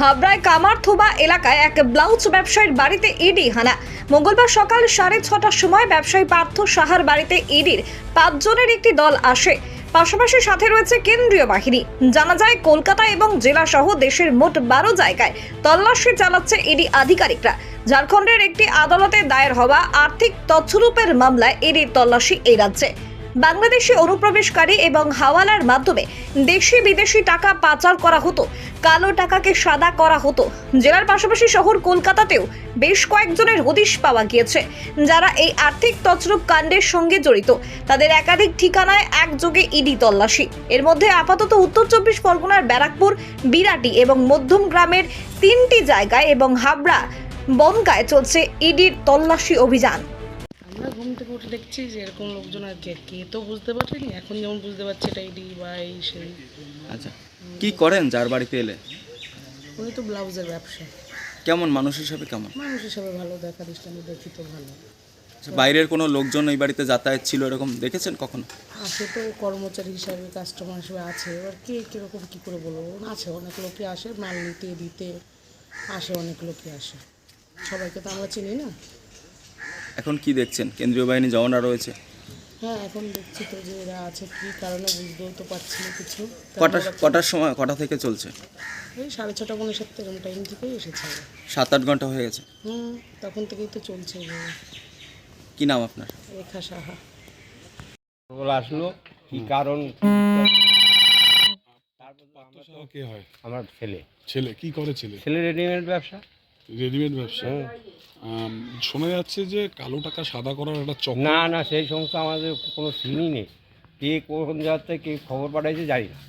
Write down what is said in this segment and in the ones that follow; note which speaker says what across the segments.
Speaker 1: হাবড়ায় কামারথোবা এলাকায় এক ব্লাউজ ব্যবসায়ীর বাড়িতে ইডি হানা। মঙ্গলবার সকাল 6:30টার সময় ব্যবসায়ী পার্থ সাহার বাড়িতে ইডির 5 জনের একটি দল আসে। পাশাপাশি সাথে রয়েছে কেন্দ্রীয় বাহিনী। জানা যায় কলকাতা এবং জেলা সহ দেশের মোট 12 জায়গায় তল্লাশি চালাচ্ছে ইডি আধিকারিকরা। ঝাড়খণ্ডের একটি আদালতে দায়ের হওয়া আর্থিক তছরূপের মামলায় ইডির তল্লাশি এই রাজ্যে। বাংলাদেশি অনুপ্রবেশকারী এবং হাওয়ালার মাধ্যমে দেশি বিদেশি টাকা পাচার করা হতো, কালো টাকাকে সাদা করা হতো। জেলার পাশাপাশি শহর কলকাতাতেও বেশ কয়েকজনের হদিশ পাওয়া গিয়েছে, যারা এই আর্থিক তছরূপ কাণ্ডের সঙ্গে জড়িত। তাদের একাধিক ঠিকানায় একযোগে ইডি তল্লাশি। এর মধ্যে আপাতত উত্তর 24 পরগনার ব্যারাকপুর, বিরাটি এবং মধ্যম গ্রামের 3টি জায়গায় এবং হাবড়া বনগায় চলছে ইডির তল্লাশি অভিযান।
Speaker 2: আমরা ঘুম থেকে উঠে দেখছি যে এরকম লোকজন আর কে তো বুঝতে পারেনি, এখন যেমন বুঝতে পারছে এটা ইডি বা এই সেই।
Speaker 3: আচ্ছা, কি করেন যার বাড়িতে এলে?
Speaker 2: উনি তো ব্লাউজের ব্যবসা।
Speaker 3: কেমন মানুষ হিসাবে কেমন?
Speaker 2: মানুষ হিসাবে ভালো, দেখা দৃষ্টান্ত দেখি তো ভালো।
Speaker 3: আচ্ছা, বাইরের কোনো লোকজন এই বাড়িতে যাতায়াত ছিল এরকম দেখেছেন কখনো?
Speaker 2: আসে তো কর্মচারী হিসাবে, কাস্টমার হিসাবে আছে। এবার কে কীরকম কী করে বলবো, আছে অনেক লোকই আসে মাল নিতে দিতে আসে, অনেক লোকই আসে, সবাইকে তো আমরা চিনি না।
Speaker 3: এখন কি দেখছেন? কেন্দ্রীয় বাহিনী জওয়ানরা রয়েছে।
Speaker 2: হ্যাঁ, এখন দেখছি তো যে এরা আছে, কী কারণে বুঝতেও তো পারছি না কিছু।
Speaker 3: কটার সময়, কটা থেকে চলছে?
Speaker 2: এই 6:30 পৌনে 7 এরকম টাইম থেকেই এসেছে।
Speaker 3: 7-8 ঘন্টা হয়ে গেছে।
Speaker 2: তখন থেকেই তো চলছে।
Speaker 3: কি নাম আপনার?
Speaker 2: রেখা সাহা।
Speaker 4: ওগুলো আসলো কি কারণ?
Speaker 5: কে হয়?
Speaker 4: আমার ছেলে।
Speaker 5: ছেলে কি করে? ছেলে
Speaker 4: রেডিমেড ব্যবসা।
Speaker 5: রেডিমেড ব্যবসা। শোনা যাচ্ছে যে কালো টাকা সাদা করার একটা চক্র।
Speaker 4: না, সেই সমস্ত আমাদের কোনো সিনই নেই। কে কোন জায়গা থেকে কে খবর পাঠাইছে জানি না।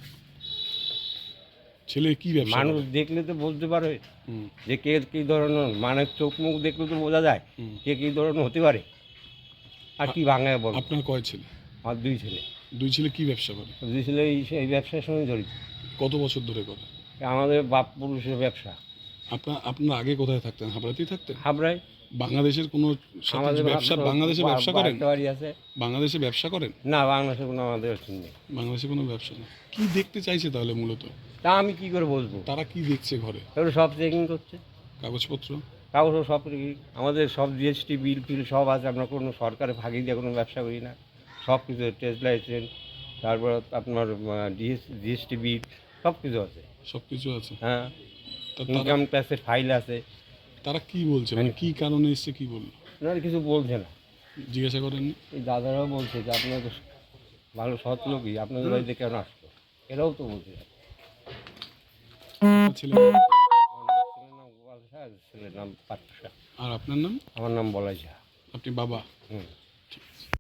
Speaker 5: ছেলে কি ব্যবসা
Speaker 4: মানুষ
Speaker 5: করে?
Speaker 4: দেখলে তো বলতে পারে
Speaker 5: হুম,
Speaker 4: যে কে কী ধরনের, মানে চোখ মুখ দেখলে তো বোঝা যায় কে কী ধরনের হতে পারে। আর কি বাংলায় বল।
Speaker 5: আপনার কয় ছেলে?
Speaker 4: আমার 2 ছেলে।
Speaker 5: দুই ছেলে কি ব্যবসা করে?
Speaker 4: 2 ছেলে এই ব্যবসার সঙ্গে জড়িত।
Speaker 5: কত বছর ধরে করে?
Speaker 4: আমাদের বাপ পুরুষের ব্যবসা।
Speaker 5: আপনার আগে কোথায় থাকতেন? হাবড়াতেই থাকতেন?
Speaker 4: হাবড়ায়।
Speaker 5: বাংলাদেশের কোনো সাথে
Speaker 4: আমাদের
Speaker 5: ব্যবসা, বাংলাদেশে ব্যবসা করেন?
Speaker 4: বাড়ি আছে।
Speaker 5: বাংলাদেশে ব্যবসা করেন?
Speaker 4: না, বাংলাদেশে কোনো আমাদের নেই।
Speaker 5: বাংলাদেশে কোনো ব্যবসা নেই। কি দেখতে চাইছে তাহলে মূলত?
Speaker 4: তা আমি কি করে বলবো?
Speaker 5: তারা কি দেখছে ঘরে?
Speaker 4: এগুলো সব চেকিং করছে,
Speaker 5: কাগজপত্র?
Speaker 4: কাগজ সব আমাদের সব জিএসটি বিল ফিল সব আছে। আমরা কোনো সরকারে ফাঁকি দিয়ে কোনো ব্যবসা করি না। সব কিছু ট্রেড লাইসেন্স, তারপর আপনার জিএসটি বিল সব কিছু আছে।
Speaker 5: সব কিছু আছে।
Speaker 4: হ্যাঁ,
Speaker 5: তা
Speaker 4: ইনকাম ট্যাক্সের ফাইল আছে।
Speaker 5: তারা কি বলছে, মানে কি কারণে এসছে, কি বললো?
Speaker 4: ওনারা কিছু বলছে না।
Speaker 5: জিজ্ঞাসা করেননি?
Speaker 4: এই দাদারাও বলছে যে আপনাদের ভালো সৎ লোকই, আপনাদের বাড়িতে কেন আসতো, এরাও তো বলছে।
Speaker 5: ছেলে
Speaker 4: আমার ছেলের নাম গোপাল শাহ, ছেলের নাম পার্থ শাহ।
Speaker 5: আর আপনার নাম?
Speaker 4: আমার নাম বলাই শাহ।
Speaker 5: আপনি বাবা?
Speaker 4: হুম।